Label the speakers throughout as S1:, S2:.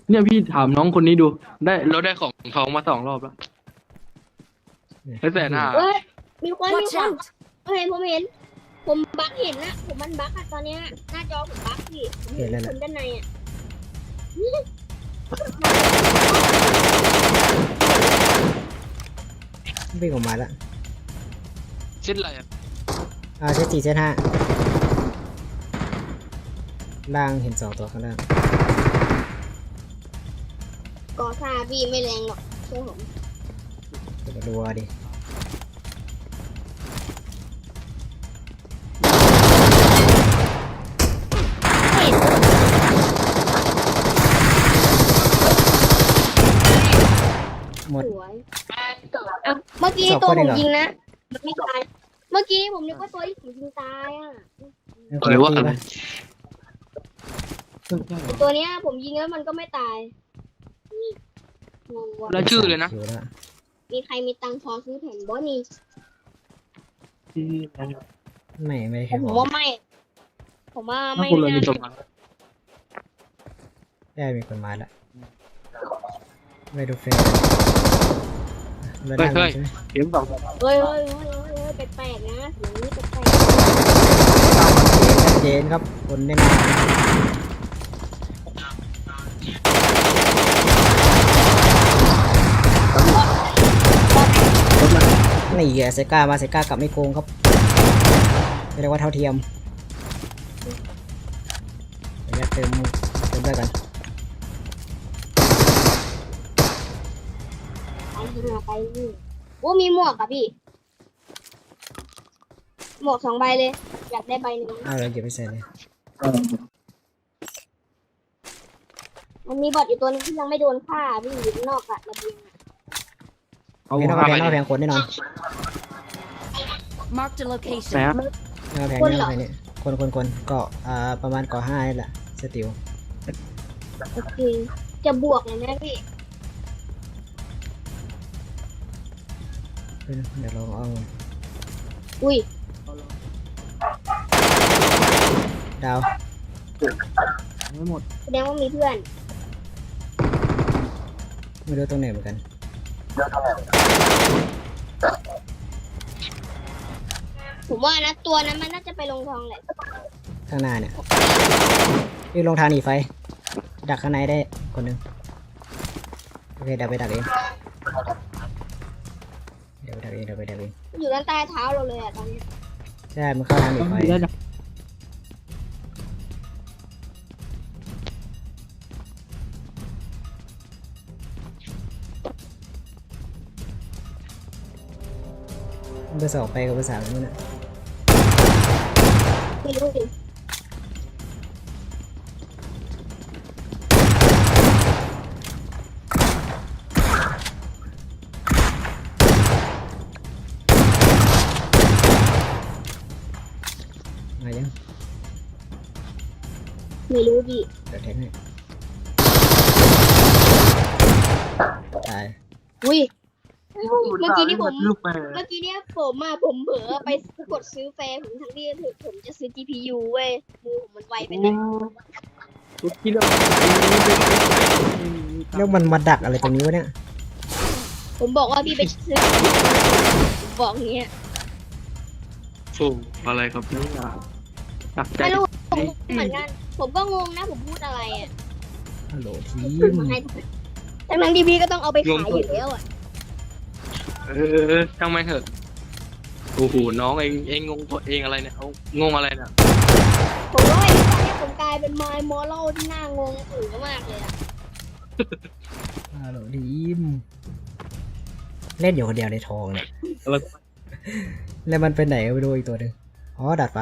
S1: เนี่ยพี่ถามน้องคนนี้ดูเราได้ของทองมา2 รอบแล้วได้150,000
S2: เฮ้ยมีคน
S3: Watch out!
S2: ผมเห็นผมบั๊กเห็นนะผมมันบั๊กอะตอนเนี้ยหน้าจอผมบั๊กพี่ผมเห็นคนด้านในอะ
S4: วิ่งออกมาแล้ว
S1: เช่นอะไรอ่ะ
S4: เซต4เซต5ล่างเห็น2ตัวข้างล่าง
S2: กอซาพี่ไม่แรงหรอกเชื่อผม
S4: เดี๋ยวมาดูดิหมด
S2: สวยอ่ะเมื่อกี้ตัวผมยิงนะมันไม่ตายเมื่อกี้ผมนึกว่าตัวที่ผมยิงตายอ่ะ
S1: หรือว่าอะไร
S2: ตัวเนี้ยผมยิงแล้วมันก็ไม่ตายงงว่ะ
S1: แล้วชื่อเลยนะ
S4: อยู่แล้ว
S2: มีใครมีตังค์พอซื้อแผ่นบอนี่
S4: ไม่ได้
S2: แต่
S4: แค่
S2: ผ
S4: บ
S2: ม
S4: อก
S2: ว่าไม่ ผมว่า
S1: ถ้า
S2: ไม่
S1: คนเรา
S2: น่า
S1: มีสมบัติ
S4: ได้มีคนมาแล้วไม่ดูเฟรมไม่
S1: เฮ้
S4: ได้
S1: ย
S4: ใช่ไหม
S1: เข็ม2
S2: เฮ้ยแปลกๆนะอย่างนี้แปลก
S4: ชัดเจนครับคนแน่นอนนี่แหละเซก้ามาเซก้ากลับไม่โกงครับไม่เรียกว่าเท่าเทียมเดี๋ยวเติมด้วยกัน
S2: ๆไปนี่โอ้มีหมวกอะพี่ หมวก2 ใบเลย อยากได้ใบหนึ่ง
S4: เอาเลยเก็บไปใส่เลย
S2: มันมีบอทอยู่ตัวนึงที่ยังไม่โดนฆ่าพี่อยู่ข้างนอกอะระเบียงอะ
S1: เอา
S4: ไม่ต้อง
S1: 5
S4: เอา
S1: ใบ
S4: แพงเอาแพงคนแน่นอน
S3: Marked a location.
S1: นะ
S4: เอาแพงแน่นอนเนี่ยคนเกาะประมาณเกาะ5นี่แหละสติล
S2: โอเค จะบวกเลยนะพี่
S4: เดี๋ยวลองเอา
S2: อุ้ย
S4: ดาว
S1: ไม่หมด
S2: แสดงว่ามีเพื่อน
S4: ไม่รู้ตรงไหนเหมือนกัน
S2: ผมว่านะตัวนั้นมันน่าจะไปลงทองแหละ
S4: ข้างหน้าเนี่ยวิ่งลงทางหนีไฟ ดักข้างในได้คนหนึ่งโอเคเดี๋ยวไปดักเองเดี๋ยวไปดักเอง
S2: อยู่ด้านใต้เท้าเราเลยอะตอนนี้
S4: ใช่มันเข้าทางหนีไฟ
S1: ได้จ้ะ
S4: เบอร์ 2ไปกับเบอร์ 3นู่นน่ะ
S2: ไม่รู้ดิ
S4: มายัง
S2: ไม่รู้ดิ
S4: เดี๋ยวแทงให้ตาย
S2: อุ้ย เมื่อกี้นี่ผม
S1: ลูกไป
S2: เมื่อกี้เนี่ยผมเผลอไปกดซื้อแฟร์ผมทั้งที่ผมจะซื้อ GPU เว้ยมือผมมันไวไปหน่อย
S1: ลูกคิดว่า
S4: แล้วมันมาดักอะไรตรงนี้วะเนี่ย
S2: ผมบอกว่าพี่ไปซื้อ ผมบอกอย่างเงี้ย
S1: โอ้อะไรครับเนี่ยตักใจ
S2: ไม่รู้ผมเหมือนกัน ผมก็งงนะผมพูดอะไรอ่ะ
S4: ฮัลโหลที
S2: ขึ้น
S4: ม
S2: มาให้ทั้งที่พี่ก็ต้องเอาไปขายอยู่แล้วอ่ะ
S1: ช่างไม่เถอะโอ้โหน้องเองงงตัวเองอะไรเนี่ยเอางงอะไรเนี่ย
S2: ผมว่าไอ้ตอนนี้ผมกลายเป็นไมล์มอลล์ที่น่างงอื่นมากเลยอ่ะ
S4: ฮัลโหลทีมเล่นอยู่คนเดียวในทองเนี่ย
S1: อะไร
S4: แล้วมันไปไหนก็ไม่รู้อีกตัวหนึงอ๋อดาดฟ้า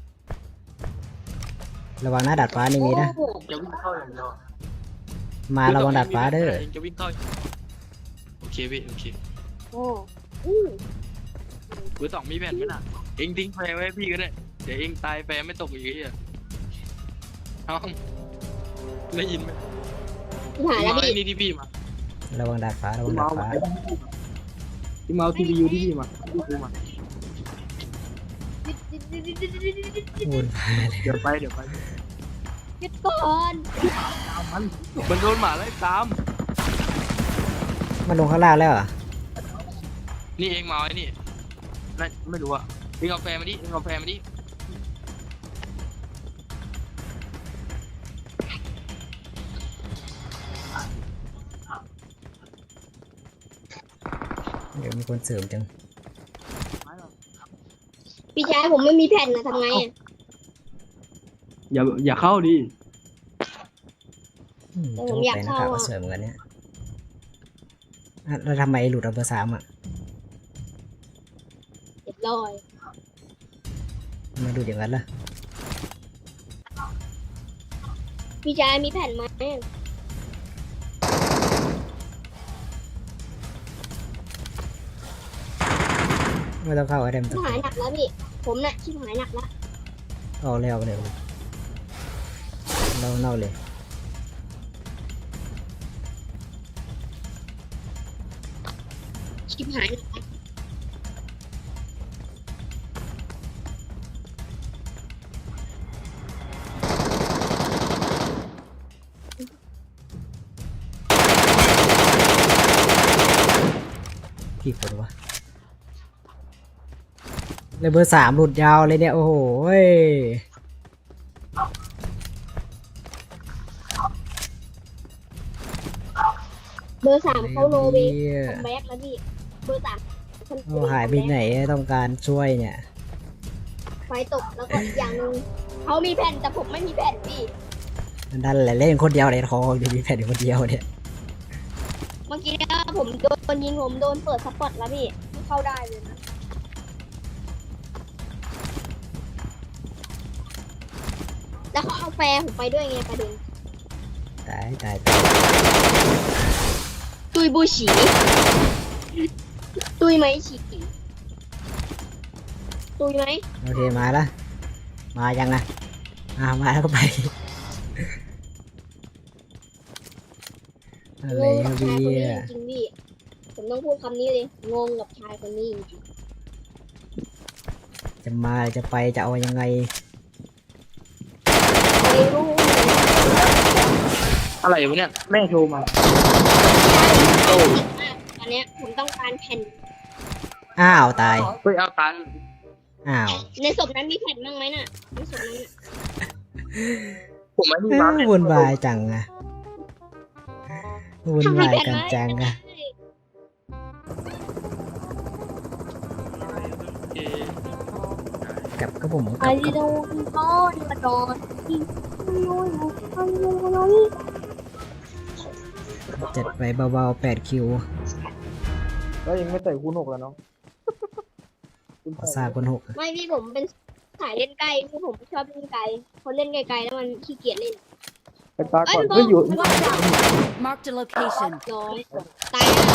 S4: ระวังนะดาดฟ้านี่มีนะ
S2: โอ้โห
S1: จะวิ่งเข้าอย่างเดียว
S4: มาระวังดาดฟ้าเด้อ
S1: จะวิ่งเข้าโอเคพี่โอเค
S2: โอ้อือ
S1: เบอร์ 2มีแผ่นไหมน่ะเองทิ้งแฟร์ไว้ให้พี่ก็ได้เดี๋ยวเองตายแฟร์ไม่ตกอีกทีอ่ะน้องได้ยินไหม
S2: หายแล้ว
S1: เอาไอ้
S2: พี่
S1: นี่ที่พี่มา
S4: ระวังดาดฟ้า
S1: ที่เมาส์ทีวียูที่พี่มาที่กูมา
S4: วุ่นวายเลย
S1: เดี๋ยวไป
S2: หยุดก่อน
S1: มันโดนหมาไล่ตาม
S4: มันลงข้างล่างแล้วเหรอ
S1: นี่เองมาไอ้นี่น่าไม่รู้อะเองเอาแฟร์มาดิเองเอาแฟร์มาดิ
S4: เดี๋ยวมีคนเสริมจัง
S2: พี่ชายผมไม่มีแผ่นนะทำไงอะ
S1: อย่าเข้าดิ
S4: ต้องไปนะครับว่าสวยเหมือนกันเนี่ยอ่ะแล้วทำไมหลุดอัลเบอร์3อ่ะ
S2: เรียบร้อย
S4: ทำไมาดูอย่างนั้นล่ะ
S2: พี่ชายมีแผ่นไหม
S4: ไม่ต้องเข้าอะไรมัน
S2: ชิ
S4: ต้
S2: บ
S4: อง
S2: หายหนักแล้วพี่ผมน่ะชิบหายหนักแล้ว
S4: ออกเลยเราเลย
S2: ชิบหายหนักแล้ว
S4: กี่คนวะเลยเบอร์3หลุดยาวเลยเนี่ย โอ้โหย
S2: เบอร์3เขาโนเวย์
S4: เนี่ย
S2: คัมแบ็กแล้วพี่เบอร์3คน
S4: โอ้หายไปไหนต้องการช่วยเนี่ย
S2: ไฟตกแล้วก็อีกอย่างหนึงเขามีแผ่นแต่ผมไม่มีแผ่นพี่
S4: นั่นแหละเล่นคนเดียวเลยทองดีมีแผ่นอยู่คนเดียวเนี่ย
S2: เมื่อกี้เนี่ยผมโดนยิงผมโดนเปิดสปอตแล้วพี่ไม่เข้าได้เลยนะแล้วเขาเอาแฟร์ผมไปด้วยไงประเด็น
S4: ตาย
S2: ตุยบูฉีตุยไหมฉีตุยไหม
S4: โอเคมาละมายังอ่ะมาแล้วก็ไปอะไร
S2: งงกับ
S4: ดี
S2: ชายคนนี้
S4: อ่ะ
S2: จริงๆพี่ผมต้องพูดคำนี้เลยงงกับชายคนนี้จริง
S4: จะมาจะไปจะเอายังไง
S2: ๆไม่รู้
S1: อะไรวะเนี่ยแม่โทรมา
S2: ตอนเนี้ยผมต้องการแผ่น
S4: อ้าวตาย
S1: เฮ้ยเอาตัน
S4: อ้าว
S2: ในศพนั้นมีแผ่นบ้างไหมน่ะในศพนั้นน่ะ
S1: ผมไม่มีมา
S4: วุ่นวายจังอะวุ่นวายกันจังอะ
S1: โอเค
S4: กับก็ผมกั
S2: ไอ้
S4: บ
S2: โดนก้อนมาโดนที่น้อยน้อย
S4: จัดไปเบาๆ8 คิว
S1: แล้วยังไม่ใส่คูณ6แล้วเนาะ
S4: ขอซาคน6
S2: ไม่พี่ผมเป็นสายเล่นไกลคือผมชอบเล่นไกลคนเล่นไกลๆแล้วมันขี้เกียจเล่น
S1: ไปตาก่อน
S2: เอ้
S1: ก็
S2: ย
S1: อยู่
S3: Marked a location.
S2: ร้อยตายห่า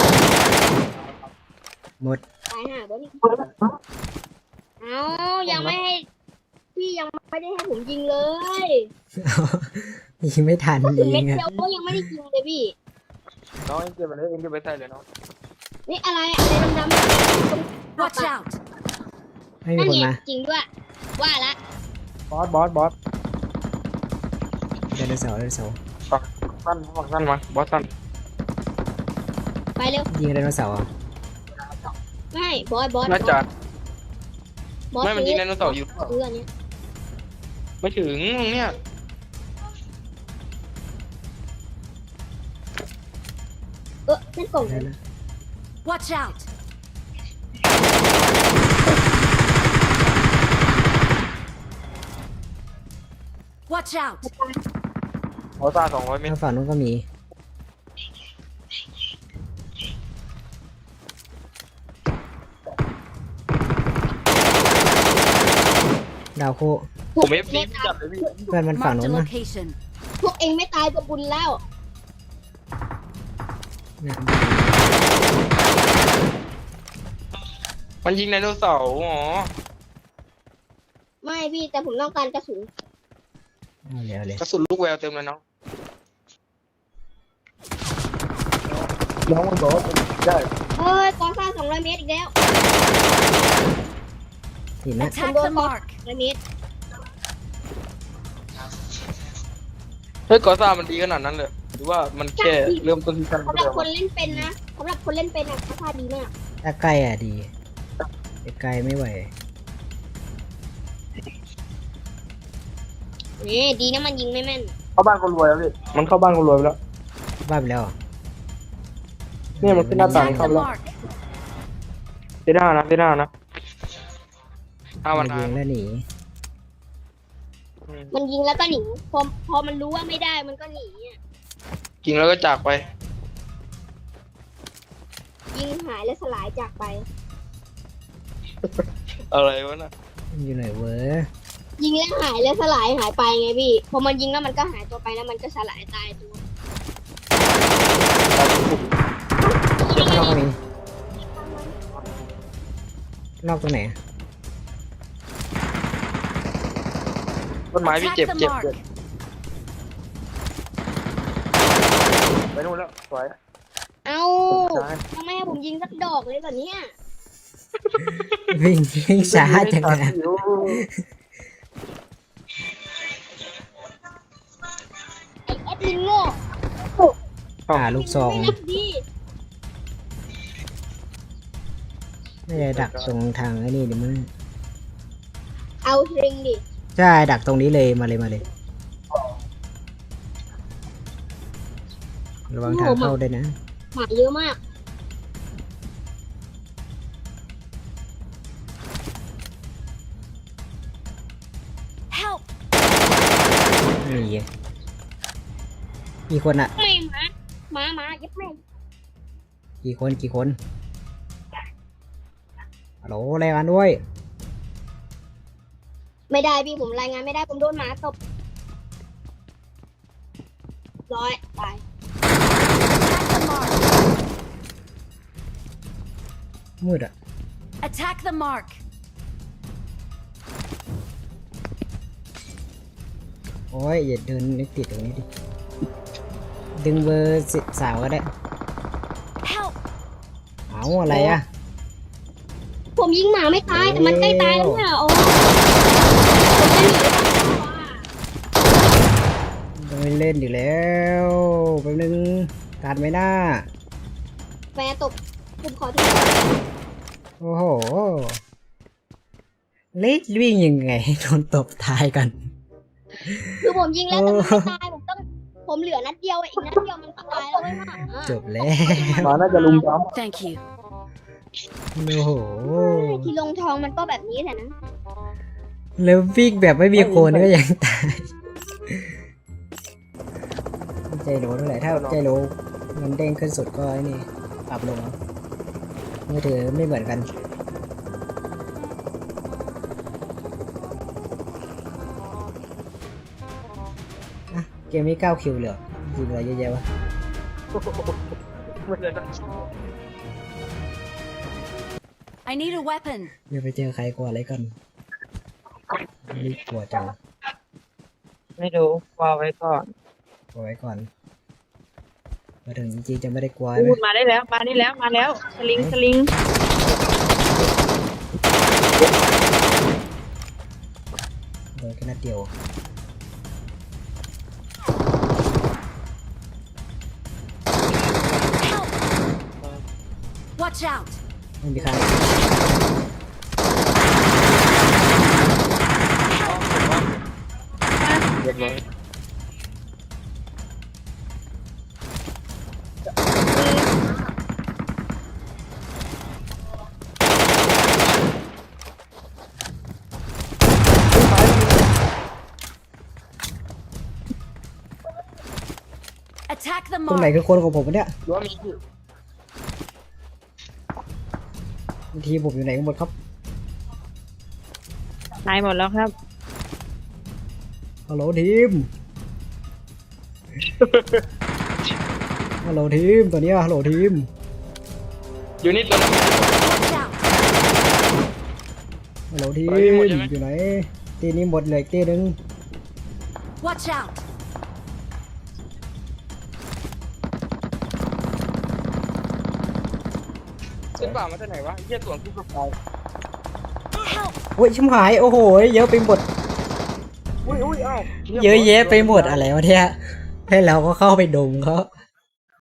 S4: หมด
S2: ตายห่าบ่นี่เอายังไม่ให้พี่ยังไม่ได้ให้ผมยิงเลย
S4: ยิงไม่ทัน
S2: ก็ถึง
S4: ยิ
S2: เม็ด
S4: งอะ
S2: เดียวก็ยังไม่ได้ยิงเลยพี่
S1: น้องเองเก็บไปเลยเองเก็บไปใส่เลยน้อง
S2: นี่อะไรอะไรดำๆ
S3: Watch out!
S4: ไม่มี
S2: นั่น
S4: คน
S2: ไง
S4: มา
S2: จริงด้วยว่าละ
S1: บอส
S4: ไดโนเสาร์
S1: สั้นมาบอสสั้น
S2: ไปเร็ว
S4: ยิงไดโนเสาร์อ่ะ
S2: ไม่บอส
S1: น่าจะ
S2: บอส
S1: ไม่มันยิงไดโนเสาร์อยู่
S2: ซื้ออันเนี้ย
S1: ไม่ถึงเนี่ย
S2: นั่นกล่อง
S4: ได้แล้ว
S3: Watch out! Watch out!
S1: บอสซ่า200 เมตร
S4: แล้วฝั่งนู้นก็มีดาวโค
S1: ผมเอฟซีจัดเลยพี่
S4: เพื่อนมันฝั่ง
S3: Marked
S4: นู้
S3: a
S4: นนะ
S3: location.
S2: พวกเองไม่ตายก็บุญแล้ว
S4: เนี่ย
S1: มันยิงไดโนเสาร์อ๋อ
S2: ไม่พี่แต่ผมต้องการกระสุน
S4: เอาเลย
S1: กระสุนลูกแววเต็มเลยน้องน้องมันบอกว่าได้
S2: เฮ้ยกองซ่า200 เมตรอีกแล้ว
S4: ทีนะ
S3: Attack the mark.
S2: 200 เมตร
S1: เฮ้ยกอซ่ามันดีขนาดนั้นเลยหรือว่ามันแค่เริ่มต้นที่ชั้น
S2: สำหรับคนเล่นเป็นนะสำหรับคนเล่นเป็นอ่ะราคาดีมาก
S4: ถ้าใกล้อ่ะดีไกลไม่ไหว
S2: นี่ดีนะมันยิงไม่แม่น
S1: เข้าบ้านคนรวยแล้วพี่มันเข้าบ้านคนรวยไปแล้ว
S4: บ้าไปแล้วเหรอ
S1: เนี่ยมันขึ้นหน้าต่าง
S3: Attack
S1: เข้า
S3: the
S1: แล้ว
S3: mark.
S1: เซด้านะเซด้านะถ้า
S4: มั
S1: วัน น
S4: ยิงแล้วหนี
S2: มันยิงแล้วก็หนีพอมันรู้ว่าไม่ได้มันก็หนีอ่ะ
S1: จริงแล้วก็จากไป
S2: ยิงหายและสลายจากไป
S1: อะไรวะน่ะ
S4: มันอยู่ไหนเว้ย
S2: ยิงแล้วหายและสลายหายไปไงพี่พอมันยิงแล้วมันก็หายตัวไปแล้วมันก็สลายตายตัว
S4: นอกมีนอกตรงไหน
S1: ต้นไม้พี่
S3: Attack
S1: เจ็บ
S3: the
S1: เจ็บ
S3: mark.
S1: เจ็บไปนู่นแล้วสวย
S2: เอ้า
S1: ใช่
S2: ทำไมให้ผมยิงสักดอกเลยก่อนเนี่ย
S4: วิ่งช้าจังเลย
S2: ไอ้แอดมินโง่
S4: ลูกซอง
S2: ไม่นับดี
S4: ไม่ได้ดักตรงทางไอ้นี่เดี๋ยวมึง
S2: เอาเทริงดิ
S4: ใช่ดักตรงนี้เลยมาเลยระวังทางเข้าด้วยนะ
S2: หมาเยอะมาก
S3: Help.
S4: นี่ไงกี่คนอะ
S2: แม่งหมายับแม่ง
S4: กี่คนฮัลโหลรายงานด้วย
S2: ไม่ได้พี่ผมรายงานไม่ได้ผมโดนหมาตบร้อยตาย
S3: Attack the mark.
S4: มืดอะ
S3: Attack the mark.
S4: โอ้ยอย่าเดินนึกติดตรงนี้ดิดึงเบอร์สาวก็ได้
S3: Help.
S4: เอาอะไรอะ
S2: ผมยิงหมาไม่ตายแต่มันใกล้ตายแล้วเนี่ยโอ้ผมจะหนีไปทำไมวะ
S4: ต้องไปเล่นอยู่แล้วแป๊บนึงการไม่น่า
S2: แฟร์ตบผมขอโทษ
S4: โอ้โหเล็กวิ่งยังไงให้โดนตบตายกัน
S2: คือผมยิงแล้วแต่มันไม่ตายผมเหลือนัดเดียวอีกนัดเดียวมันก็ตายแล้วไม่มา
S4: จบแล้ว
S1: หมาน่าจะลุมจ้
S3: Thank you.
S4: โอ้โห
S2: ที่ลงทองมันก็แบบนี้แหละนะ
S4: แล้ววิ่งแบบไม่มีโคนก็ยังตายใจโหลเท่าไหร่ถ้าใจโหลมันเด้งขึ้นสุดก็ไอ้นี่ปรับลงมือถือไม่เหมือนกันอ่ะเกมนี้9 คิวเลยเหรอยิงอะไรเยอะแยะวะ
S1: ไม่ได้
S3: I need a weapon.
S4: เดี๋ยวไปเจอใครกลัวอะไรกันนี่กลัวจัง
S5: ไม่รู้วางไว้ก่อน
S4: กลัวไว้ก่อนมาถึงจริงๆจะไม่ได้กลัวไหม
S5: พูดมาได้แล้ว มาได้แล้ว มาแล้ว สลิง สลิง
S4: โดนแค่นัดเดียว
S3: Help. Watch out.
S4: ไม่มีใคร
S1: เรียบร้อย
S3: Attack the
S4: ตรงไหน
S3: mark.
S4: คือคนของผมวะเนี่ย
S1: หรือว่ามีที่
S4: ทีมผมอยู่ไหนกันหมดครับ
S5: ตายหมดแล้วครับ
S4: ฮัลโหลทีม ฮัลโหลทีมตัวเนี้ยฮัลโหลทีม
S1: อยู่นี่ตัวนั้น
S3: Watch out.
S4: ฮัลโหลทีม
S1: เฮ้ยหมดใช่ไหม
S4: อยู่ไหนตีนี้หมดเหลยตีหนึง
S3: Watch out.
S1: เส้นป่ามาจากไหนวะเยี่ยส่วนผู้ประกอบ
S3: Help.
S4: โอ้ยชิมหายโอ้โหเยอะไปหมด
S1: อุ้ยอ้าว
S4: เยอะแยะไปหมดอะไรวะเนี่ยให้เราก็เข้าไปดมเขา